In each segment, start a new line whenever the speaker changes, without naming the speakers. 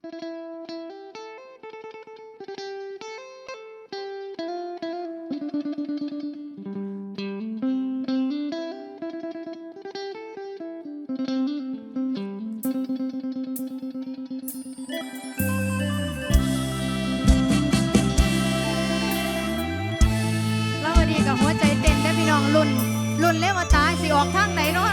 หัวใจเต้นได้พี่น้องลุ่นเล่มาตายสิออกทางไหนเนาะ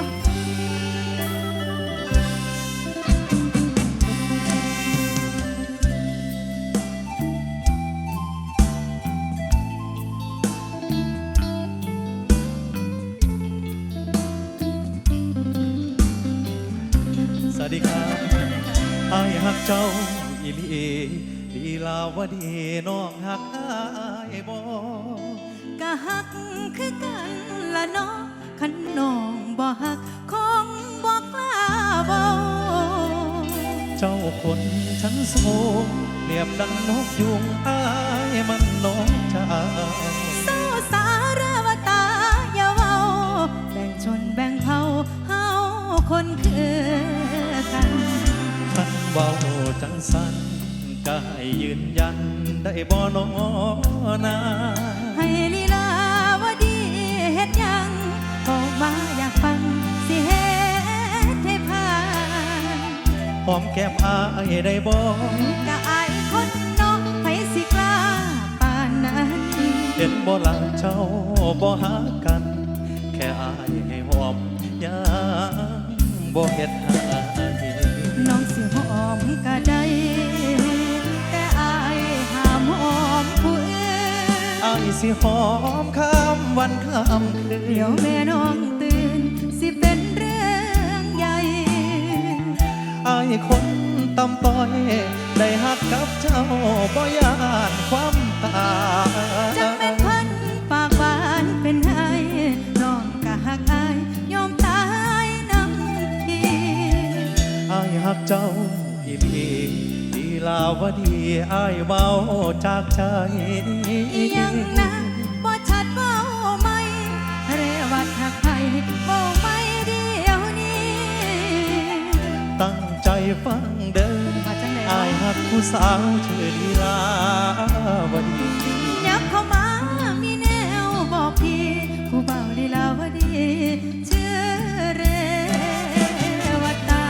สวัสดีครับอ้ายฮักเจ้าอีหลีลีลาวดีน้องฮักอ้ายบ่
กะฮักคือกันละเนาะคันน้องบ่ฮักคงบ่กล้าบ่
เจ้าคนชั้นสูงเรียบดังนกยุงอ้ายมันนกเจ้า
เศร้าสารวตาอย่าเว้าแบ่งชนแบ่งเผ่าเฮาคนคือกัน
ท่านเบาจังสันกายยืนยันได้บ่น้อนา
ให้ลีลาวดีเฮ็ดยังบอกมาอยากฟังสิเฮ็ดให้ผ่าน
หอมแก้มอ้ายได้บ่
กะอายคนนอกไปสิกล้าปานนั้น
เห็นบ่หลังเจ้าบ่หากันแค่อ้ายให้หอมยังบ่เฮ็ดให้
น้องสิหอมก็ได้แต่อายห้ามหอมผู้อื่น
อายสิหอมข้ามวันข้ามคืน
เดี๋ยวแม่น้องตื่นสิเป็นเรื่องใหญ่
อายคนตำต้อยได้หักกับเจ้าบ่ยานความตาย
จังเป็นคนปากหวานเป็นไห้น้องก็หักอายยอมตายน้ำที
อายหักเจ้าอีหลีลีลาวดีอายเบาจากใจ
ยังนะบ่ชัดเว้าไหมเรวัดหักไผเว้าไม่เดียวนี้
ตั้งใจฟังเดินอายหักผู้สาวชื่อลีลาวดี
ยับเข้ามามีแนวบอกพี่ผู้เบาลีลาวดีชื่อเรวตา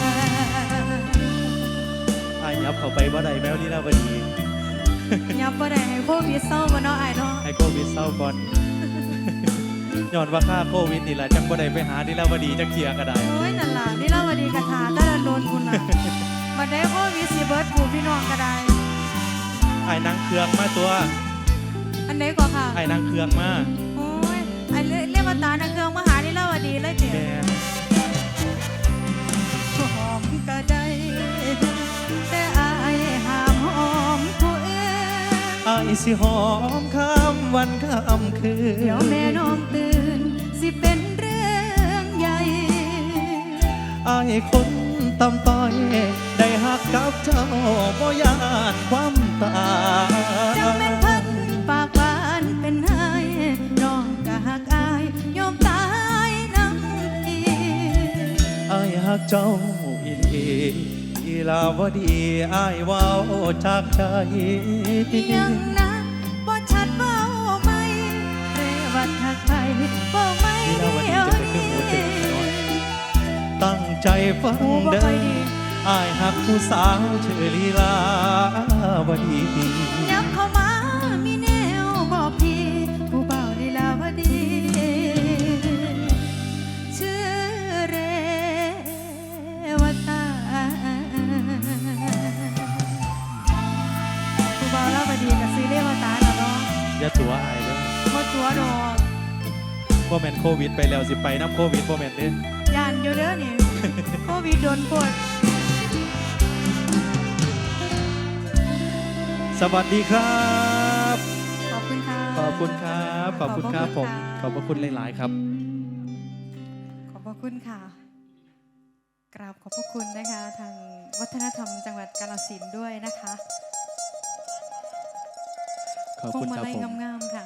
อายยับเข้าไปบ่ได้แมวลีลาวดี
ยับบ่ได้ให้โควิดเศร้าบ่เนาะอ้ายเนาะ
ให้โควิดเศร้าก่อนย้อนว่าค่าโควิดนี่แหละจังบ่ได้ไปหาลีลาวดีจักเที่ยก็ได้
โอ้ยนั่นล่ะลีลาวดีกะทาแต่ละโดนคุณน่ะบัดได้โควิดสิเบิดผู้พี่น้องก็ได้
ไอ้นางเครื่องมาตัว
อันไหนก่อนค่ะ
ไอ้นางเครื่องมา
โอ้ยไอ้เรียกว่าตานังเครื่องมาหาลีลาวดีเลยเจ๋หอมก็ได้แต่อายห้ามหอมผู้อื่น
อายสิหอมข้ามวันข้ามคืน
เดี๋ยวแม่น้องตื่นสิเป็นเรื่องใหญ่
อายคนตำต้อยได้หักกับเจ้าบ่ยานความตาย
จังเป็นเพิ่นปากหวานเป็นไห้น้องก็หักอายยอมตายน้ำที
อายหักเจ้าอีหลีลีลาวดีอายเว้าจากใจ
ยังนะบ่ชัดเว้าไหมเรวัดหักไผบ่ไม่เดียวนี้
ตั้งใจฟังเดินอายหักผู้สาวชื่อลีลาวดี
ยับเข้ามามีแนวบอกพี่ผู้เบาลีลาวดีชื่อเรวตาผู้เบาลาวดีกับซื้อเรวตาแล้วเนาะ
อย่าตัวอายเลย
บ่ตัวดอก
บ่แม่นโควิดไปแล้วสิไปน้ำโควิดบ่แม่นเด้
ย่านอยู่เด้อนี่โควิดโดนปวด
สวัสดีครับ
ขอบคุณค่ะ
ขอบคุณครับขอบคุณครับผมขอบพระคุณหลายๆครับ
ขอบพระคุณค่ะกราบขอบพระคุณนะคะทางวัฒนธรรมจังหวัดกาฬสินธุ์ด้วยนะคะ
ขอบคุณครับผม
งามๆค่ะ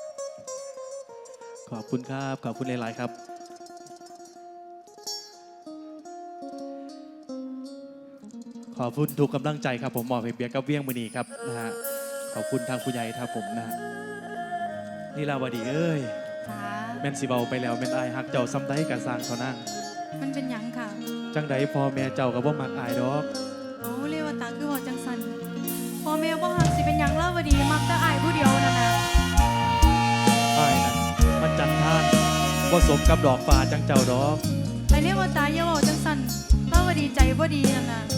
ขอบคุณครับขอบคุณหลายๆครับขขอบคุณทุกกำลังใจครับผมมอบให้เบียร์กับเวียงมือนีครับนะฮะขอบคุณทางผู้ใหญ่ครับผมนะฮะลีลาวดีเอ้ย
ค่ะ
แม่นสิเบาไปแล้วแม่นอายฮักเจ้าซ้ำได้กะสร้างเท่านั้น
มันเป็นหยังค่ะ
จังใดพ่อแม่เจ้าก็บ่มักอายดอก
โอ้เรียกว่าตาคือว่าจังสันพ่อแม่บ่ฮักสิเป็นหยังเล่าวดีมักแต่อายผู้เดียวนั่นน่ะ
อายนั้นมันจันทานบ่สมกับดอกฟ้าจังเจ้าดอก
ไอเรียกว่าตาอย่าเว้าจังสันเล่าวดีใจบ่ดีนั่นน่ะ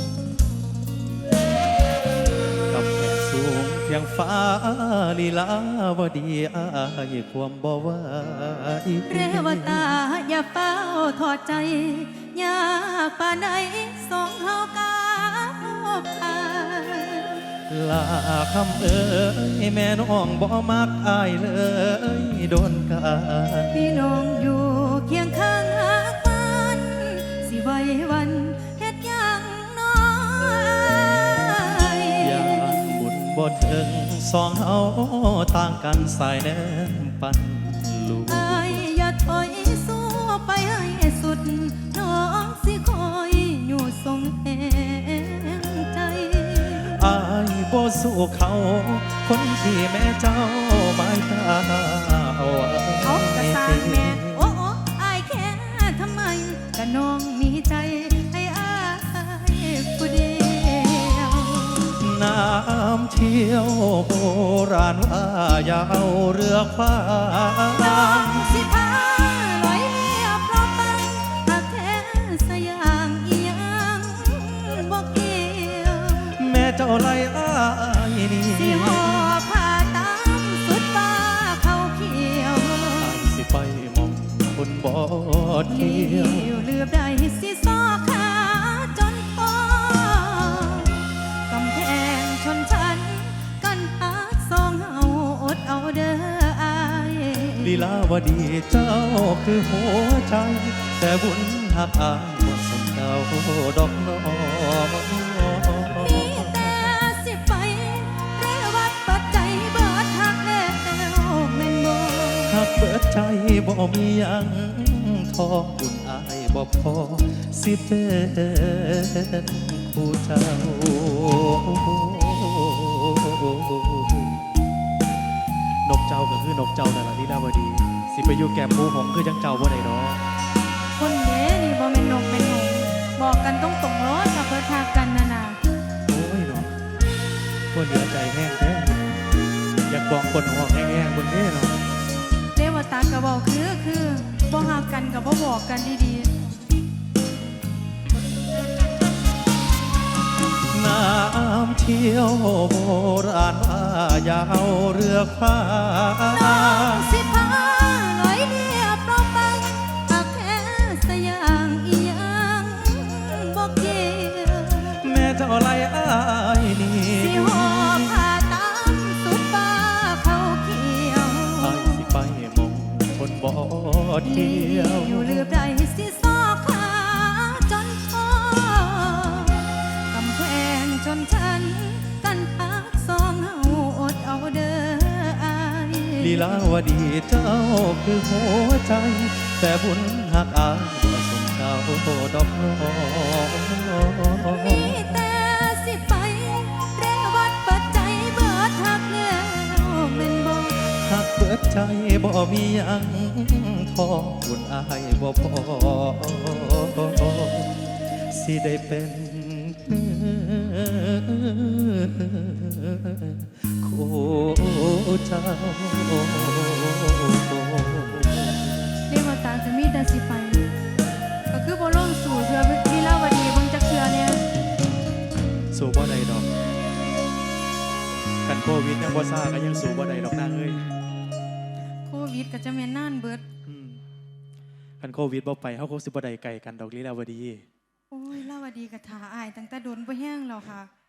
กับแผ่สูงเพียงฟ้าลีลาวดีอายความบ่ไหว
เรวตาอย่าเฝ้าถอดใจอยากป่านใดสองเฮากาบผ่าน
ลาคำเอ้ยแม่น้องบ่มักอายเลยโดนกัน
พี่น้องอยู่เคียงข้างหากมันสิไว้วันเฮ็ดหยังน้อย
ยานบุญบ่ถึงสองเฮาต่างกันสายแนมปันลูก
อายอย่าถอยสู้ไปให้สุดน้องสิคอยอยู่ทรงแห่งใจ
อายบ่สู้เขา คนที่แม่เจ้าหมายตาเอาไว้
เอากระสานแม่โอ้โอ้อายแค่ทำไมกะน้องมีใจให้อายผู้เดียว
น้ำเที่ยวโบราณว่าอย่าเอาเรือคว้า
น้องสิพาลอยเรียบรอบฟังหากแท้สยางอีหยังบอกเกี่ยว
แม่เจ้าไล่อายนี่
สิหอบผ้าตามสุดฟ้าเขาเขียว
อายสิไปมองคนบ่เที่
เลี้
ยว
ยวเลือบได้สิซอกขาจนพอกำแพงชนชั้นกันหาสองเฮาอดเอาเด้ออาย
ลีลาวดีเจ้าคือหัวใจ แต่บุญหักอายบ่สมเจ้าดอกน้อ
มีแต่สิไปเรวัดปัจจัยเบิดหักแล้วแม่นบ่
หักเบิดใจบ่มีหยังทอบุญอายบ่พอสิเป็นผู้เจ้านกเจ้าก็คือนกเจ้านั่นล่ะลีลาวดีสิไปอยู่แก้มหมูหงคือจังเจ้าบ่ได้ดอก
คนเด้นี่บ่แม่นนกเป็นหงส์บอกกันตรงๆโลดถ้าเบิดหักกันน่ะนะ
โอ้ยเนาะคนเหลือใจแห้งแท้อยากบอกคนห้องแห้งๆบนนี้เนาะ
เรวัดตาก็เว้าคือบ่หักกันก็บ่บอกกันดีๆ
น้ำเที่ยวโบราณว่าอย่าเอาเรือคว้า
น้องสิพาลอยเรียบรอบฟังหากแท้สยางอีหยังบอกเกี่ยว
แม่เจ้าไล่อายนี่
สิหอบผ้าตามสุดฟ้าเขาเขียว
อายสิไปมองคนบ่เที่
เลี้
ยว
อยู่ลืบได้สิซอกขาจนพอกำแพงชนชั้นกันพักสองเฮาอดเอาเด้ออาย
ลีลาวดีเจ้าคือหัวใจ แต่บุญหักอายบ่สมเจ้าดอกน้อ
มีแต่สิไปเรวัดปัจจัยเบิดหักแล้วแม่นบ่
หักเบิดใจบ่มีหยังทอบุญอายบ่พอสิได้เป็นคู่เจ้า
เรียกว่าตาจะมีแต่สิไปก็คือบ่ลงสู่เรือลีลาวดีเบิ่งจักเทื่อเนี่ย
สู้บ่ได้ดอกกันโควิดยังบ่ซ่าก็ยังสู้บ่ได้ดอกนางเอ้ย
โควิดก็จะแม่นนานเบิด
กันโควิดบ่ไปเฮาคงสิบ่ได้ไกลกันดอกลีลาวดี
โอ้ยลาวดีก็ท่าอายตั้งแต่โดนบ่แห้งแล้วค่ะ